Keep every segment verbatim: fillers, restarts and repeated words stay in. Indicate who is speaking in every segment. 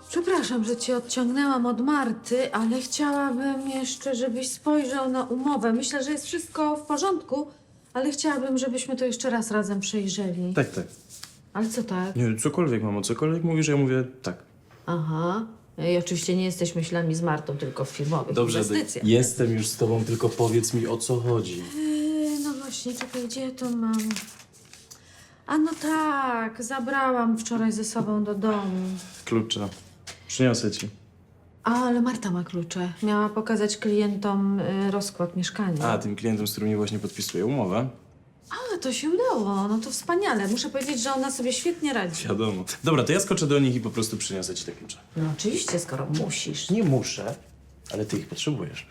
Speaker 1: Przepraszam, że cię odciągnęłam od Marty, ale chciałabym jeszcze, żebyś spojrzał na umowę. Myślę, że jest wszystko w porządku, ale chciałabym, żebyśmy to jeszcze raz razem przejrzeli.
Speaker 2: Tak, tak.
Speaker 1: Ale co tak?
Speaker 2: Nie, cokolwiek, mamo, cokolwiek mówisz, ja mówię tak.
Speaker 1: Aha. I oczywiście nie jesteś myślami z Martą, tylko w firmowych
Speaker 2: Dobrze,
Speaker 1: inwestycjach.
Speaker 2: jestem już z tobą, tylko powiedz mi, o co chodzi.
Speaker 1: Yy, no właśnie, czekaj, gdzie ja to mam? A no tak, zabrałam wczoraj ze sobą do domu.
Speaker 2: Klucze. Przyniosę ci.
Speaker 1: A, ale Marta ma klucze. Miała pokazać klientom y, rozkład mieszkania.
Speaker 2: A, tym klientem, z którymi właśnie podpisuję umowę.
Speaker 1: A, to się udało. No to wspaniale. Muszę powiedzieć, że ona sobie świetnie radzi.
Speaker 2: Wiadomo. Dobra, to ja skoczę do nich i po prostu przyniosę ci te klucze.
Speaker 1: No oczywiście, skoro musisz.
Speaker 2: Nie muszę, ale ty ich potrzebujesz.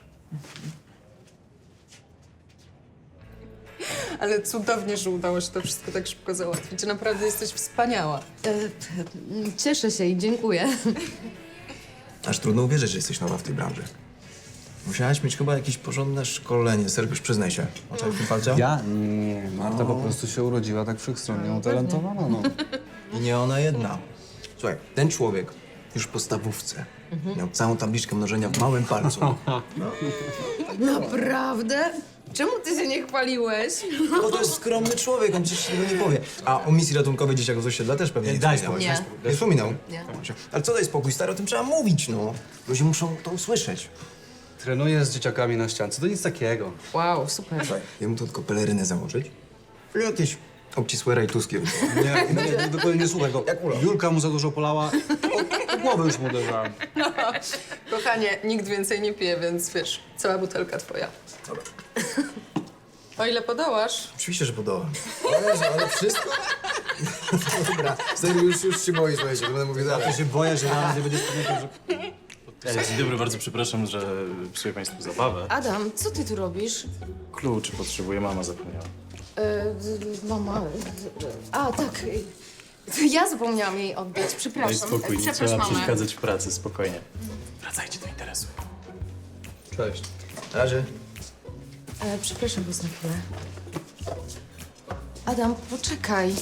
Speaker 3: Ale cudownie, że udało się to wszystko tak szybko załatwić. Naprawdę jesteś wspaniała.
Speaker 4: Cieszę się i dziękuję.
Speaker 5: Aż trudno uwierzyć, że jesteś nowa w tej branży. Musiałaś mieć chyba jakieś porządne szkolenie. Sergiusz, przyznaj się. Oczek w tym palce?
Speaker 6: Ja? Nie, Marta po prostu się urodziła tak wszechstronnie utalentowana, no.
Speaker 5: I nie ona jedna. Słuchaj, ten człowiek już w podstawówce miał całą tabliczkę mnożenia w małym palcu.
Speaker 4: Naprawdę? Czemu ty się nie chwaliłeś?
Speaker 5: Bo to jest skromny człowiek, on przecież tego nie powie. A o misji ratunkowej dzieciaków z osiedla też pewnie nie
Speaker 6: daj
Speaker 5: wspominałeś.
Speaker 4: spokój.
Speaker 5: Nie wspominał?
Speaker 4: Nie.
Speaker 5: Ale co daj spokój, stary, o tym trzeba mówić, no. Ludzie muszą to usłyszeć.
Speaker 6: Trenuję z dzieciakami na ściance, to nic takiego.
Speaker 4: Wow, super.
Speaker 5: Słuchaj, jemu to tylko pelerynę założyć i jakieś obcisłe rajtuski.
Speaker 6: Nie, nie, nie, dokładnie nie słuchaj go.
Speaker 5: Jak Ula.
Speaker 6: Julka mu za dużo polała, o, o głowę już mu uderzałem.
Speaker 3: Kochanie, nikt więcej nie pije, więc wiesz, cała butelka twoja.
Speaker 5: Dobra.
Speaker 3: O ile podołasz?
Speaker 5: Oczywiście, że podołam. Ale, ale wszystko? Dobra, serio, już, już się boję, słuchajcie, to będę mówił dalej.
Speaker 6: Ja się boję, że nawet nie będziesz pamiętał, że...
Speaker 2: E, dzień dobry, bardzo przepraszam, że psuję państwu zabawę.
Speaker 4: Adam, co ty tu robisz?
Speaker 2: Klucz potrzebuję, mama zapomniała.
Speaker 4: E, mama... A, tak. To ja zapomniałam jej oddać,
Speaker 2: Daj
Speaker 4: przepraszam.
Speaker 2: spokój, nie
Speaker 4: Przepraszam,
Speaker 2: trzeba
Speaker 4: mamę.
Speaker 2: przeszkadzać w pracy, spokojnie. Wracajcie do interesu.
Speaker 6: Cześć.
Speaker 5: Na razie.
Speaker 4: E, przepraszam was na chwilę. Adam, poczekaj.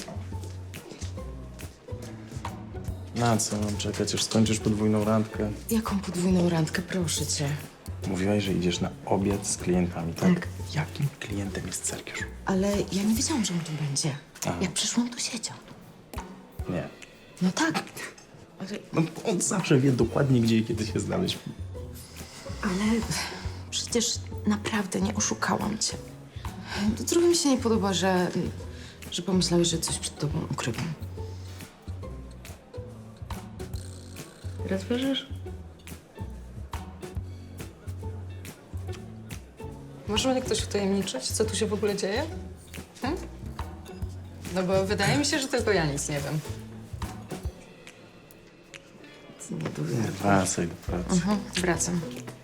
Speaker 2: Na co mam czekać, aż skończysz podwójną randkę?
Speaker 4: Jaką podwójną randkę, proszę cię.
Speaker 2: Mówiłaś, że idziesz na obiad z klientami, tak?
Speaker 4: Tak.
Speaker 2: Jakim klientem jest Sergiusz?
Speaker 4: Ale ja nie wiedziałam, że on tu będzie.
Speaker 2: Aha.
Speaker 4: Jak przyszłam, to siedział.
Speaker 2: Nie.
Speaker 4: No tak. Ale,
Speaker 2: No, on zawsze wie dokładnie, gdzie i kiedy się znaleźć.
Speaker 4: ale przecież naprawdę nie oszukałam cię. Trochę mi się nie podoba, że, że pomyślałeś, że coś przed tobą ukrywam. Teraz wierzysz?
Speaker 3: Może mnie ktoś utajemniczyć, co tu się w ogóle dzieje? Hm? No bo wydaje mi się, że tylko ja nic nie wiem.
Speaker 4: Nie dowiem.
Speaker 2: Wracaj do pracy.
Speaker 4: Mhm, wracam.